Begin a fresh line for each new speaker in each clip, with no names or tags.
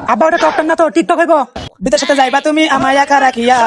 আব্বা ওটা টকটক না তো টিকটক হইব।
বিদেশে যাইবা তুমি আমায় একা রাখিয়া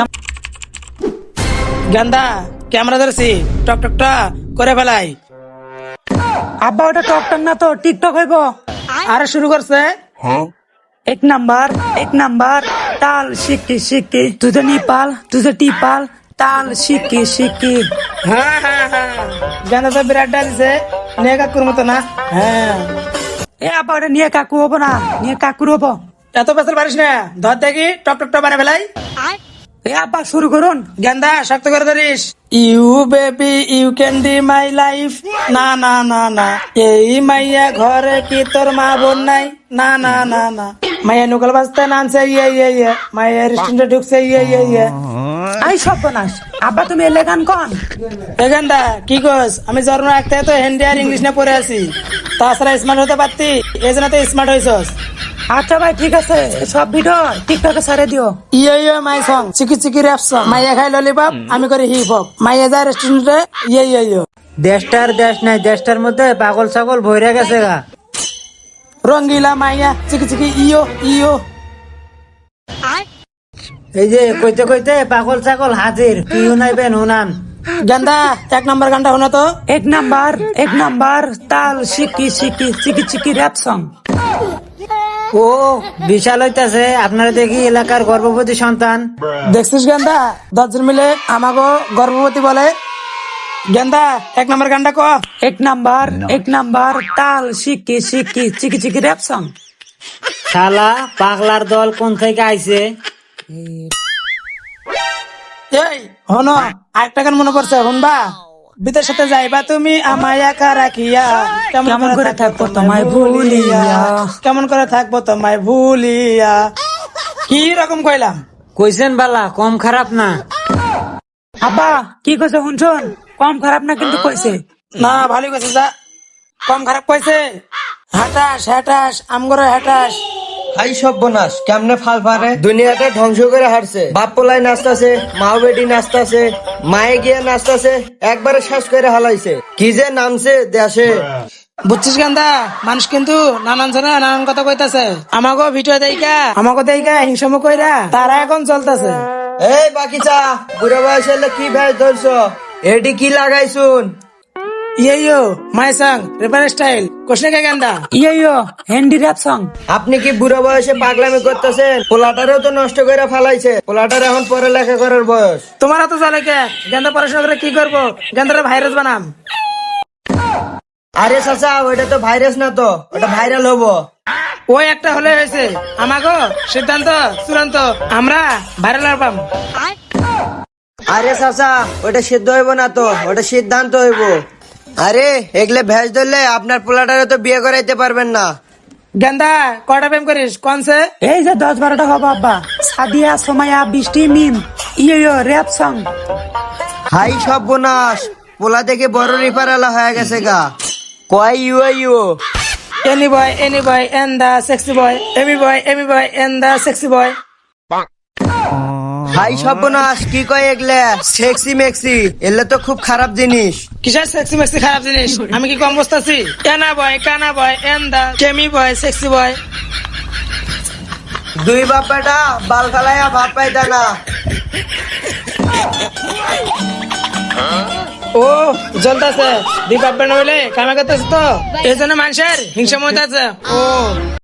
গান্দা ক্যামেরা ধরছি টকটকটা করে ফেলাই।
আব্বা ওটা টকটক না তো টিকটক হইব।
আরে শুরু করছে।
এক নাম্বার তাল শিকি শিকি তুঝে নিপাল তুঝে টিপাল তাল শিকি শিকি।
হ্যাঁ হ্যাঁ হ্যাঁ গান্দা তো বিরাট ডালছে নিয়ে কাকুর মতো না। হ্যাঁ
এ আব্বা ওটা নিয়ে কাকু হবো না, নিয়ে কাকুর হবো।
এত পেছাল পারিস না, ধর দেখি টকটকটা বানিয়ে ফেলাই।
এ আব্বা শুরু করুন।
গেন্দা শক্ত করে ধরিস। You baby you can be my life. না না না না এই মাইয়া ঘরে কি তোর মা বোন নাই। না না না না মাইয়া নুকল বাজতে নামছে ইয়ে মাইয়া রেস্টুরেন্টে ঢুকছে ইয়ে।
আই সব বনাস আব্বা তুমি এলে গান কন।
এ গেন্দা কি কস, আমি জন্ম রাখতে তো হিন্দি আর ইংলিশ নিয়ে পড়ে আছি, তাছাড়া স্মার্ট হতে পারতি, এই জন্য তো স্মার্ট হয়েছস।
আচ্ছা ভাই ঠিক আছে, সব ভিডিও টিকটকে ছেড়ে দিও।
ইয়ে মাই সং চিকি চিকি র্যাপ সং। মাইয়া খাই ললিপপ আমি করি হিপ হপ। মাইয়া যায় রেস্টুরেন্টে ইয়ে।
দেশটার দেশ নাই, দেশটার মধ্যে পাগল ছাগল ভইরা গেছে গা।
রঙ্গিলা মাইয়া চিকি চিকি ইয়ো।
এই যে কইতে কইতে পাগল ছাগল হাজির, কি শুনাইবেন শুনান।
গেন্দা 1 নম্বর গানটা শোনা তো।
এক নাম্বার তাল শিকি শিকি চিকি চিকি র্যাপ সং।
ও বিশাল হইতাছে, আপনারা দেখি এলাকার গর্ভবতী সন্তান।
দেখছিস গেন্দা 10 জন মিলে আমাগো গর্ভবতী বলে। গেন্দা 1 নম্বর গানটা ক।
এক নাম্বার তাল শিকি শিকি চিকি চিকি র্যাপ সং।
শালা পাগলার দল কোন থেকে আইছে?
এই হনো আরেকটা গান মনে পড়ছে, শুনবা। বিদের সাথে যাইবা তুমি আমায় একা রাখিয়া,
কেমন করে থাকবো তোমায় ভুলিয়া।
কেমন করে থাকবো তোমায় ভুলিয়া। কি রকম কইলাম?
কইছেন বালা, কম খারাপ না।
আব্বা কি কইছে শুনছুন? কম খারাপ না কিন্তু কইছে।
না ভালোই কইছে, যা কম খারাপ কইছে। হাটাস আমগরে হাটাস।
হাই সব বোনাস কেমনে ফাল পারে, দুনিয়াটা ধ্বংস করে হারছে। বাপ পোলাই নাচতাছে, মাও বেটি নাচতাছে, মায়ে গিয়ে নাচতাছে, একবারে শেষ করে হালাইছে। কি যে নামছে দেশে।
বুঝছিস গান্দা, মানুষ কিন্তু নানান জনে নানান কথা কইতাছে। আমাগো ভিডিও দেইকা হিংসামো কইরা তারা এখন চলতেছে।
এই বাকিচা বুড়ো বয়সে এলে কি ভেজ ধরছ, এটি কি লাগাইছুন?
Yo my song rapper style কোশনে কে গান্দা।
Yo Hindi rap song.
আপনি কি বুড়ো বয়সে পাগলামি করতেছেন? পোলাটারেও তো নষ্ট করে ফেলাইছে, পোলাটার এখন পড়ালেখা করার বয়স।
তোমার তো চলে কে? গান্দা পড়াশোনা করে কি করবো? গান্দারে ভাইরাস বানাম।
আরে চাচা ওইটা তো ভাইরাস না তো, ওটা ভাইরাল হবো।
ওই একটা হলে হয়েছে, আমাগো সিদ্ধান্ত চূড়ান্ত, আমরা ভাইরাল হবাম।
আরে চাচা ওটা সিদ্ধ হইব না তো, ওটা সিদ্ধান্ত হইব। আরে এগুলো ভেজ ধরলে আপনার পোলাটারে তো বিয়ে করাইতে পারবেন না।
গান্দা কয়টা প্রেম করিস কোনছে?
এই যে 10-12টা হবো আব্বা। Sadia Somaya Brishti Mim yo rap song.
Hi সব বোনাস, পোলা দেখে বড় রিপারালা হয়ে গেছে গা। কয় you
any boy and the sexy boy, any boy and the sexy boy.
Hi সব বোনাস কি কয় এগুলা? সেক্সি মেক্সি এগুলা তো খুব খারাপ জিনিস।
কিসের সেক্সি মেক্সি খারাপ জিনিস? আমি কি কম বসতাছি? কানা বয় and the কেমি boy sexy boy.
দুই বাপ্পাটা বাল ফালাইয়া ভাত পাইতা না।
ও জ্বলতাছে, দুই বাপ বেটা হইলে কামে করতেছে তো, এই জন্য মানুষের হিংসা মত আছে। ও